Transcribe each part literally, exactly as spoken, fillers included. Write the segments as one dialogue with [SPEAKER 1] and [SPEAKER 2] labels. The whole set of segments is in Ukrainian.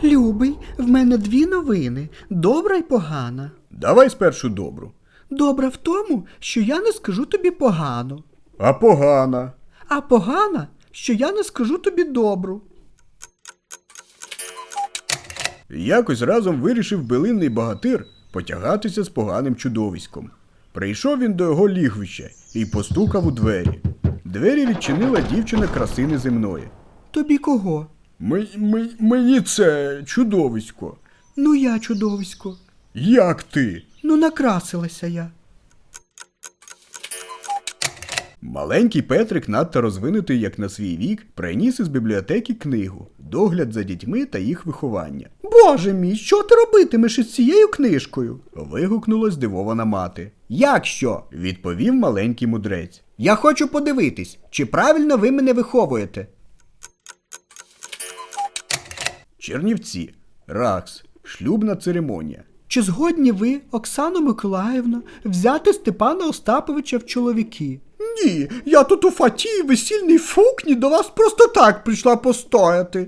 [SPEAKER 1] Любий, в мене дві новини. Добра й погана.
[SPEAKER 2] Давай спершу добру.
[SPEAKER 1] Добра в тому, що я не скажу тобі погано.
[SPEAKER 2] А погана?
[SPEAKER 1] А погана, що я не скажу тобі добру.
[SPEAKER 2] Якось разом вирішив билинний богатир потягатися з поганим чудовиськом. Прийшов він до його лігвища і постукав у двері. Двері відчинила дівчина краси неземної.
[SPEAKER 1] Тобі кого?
[SPEAKER 2] Ми, ми, мені це чудовисько.
[SPEAKER 1] Ну я чудовисько.
[SPEAKER 2] Як ти?
[SPEAKER 1] Ну накрасилася я.
[SPEAKER 2] Маленький Петрик, надто розвинутий як на свій вік, приніс із бібліотеки книгу «Догляд за дітьми та їх виховання».
[SPEAKER 1] Боже мій, що ти робитимеш із цією книжкою?
[SPEAKER 2] Вигукнула здивована мати.
[SPEAKER 1] Як що?
[SPEAKER 2] Відповів маленький мудрець.
[SPEAKER 1] Я хочу подивитись, чи правильно ви мене виховуєте.
[SPEAKER 2] Чернівці. Ракс. Шлюбна церемонія.
[SPEAKER 1] Чи згодні ви, Оксано Миколаївно, взяти Степана Остаповича в чоловіки? Ні, я тут у фатії весільній фукні до вас просто так прийшла постояти.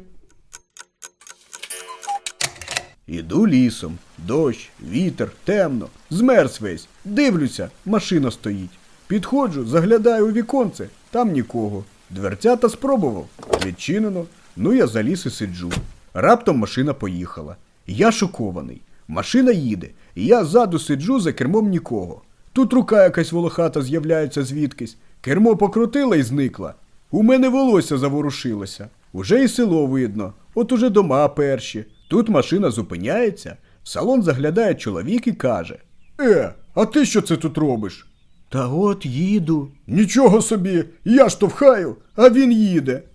[SPEAKER 2] Іду лісом. Дощ, вітер, темно. Змерз весь. Дивлюся, машина стоїть. Підходжу, заглядаю у віконце. Там нікого. Дверцята спробував. Відчинено. Ну я заліз і сиджу. Раптом машина поїхала. Я шокований. Машина їде. І я ззаду сиджу, за кермом нікого. Тут рука якась волохата з'являється звідкись. Кермо покрутила і зникла. У мене волосся заворушилося. Уже і село видно. От уже дома перші. Тут машина зупиняється. В салон заглядає чоловік і каже: «Е, а ти що це тут робиш?»
[SPEAKER 1] Та от їду.
[SPEAKER 2] «Нічого собі, я штовхаю, а він їде».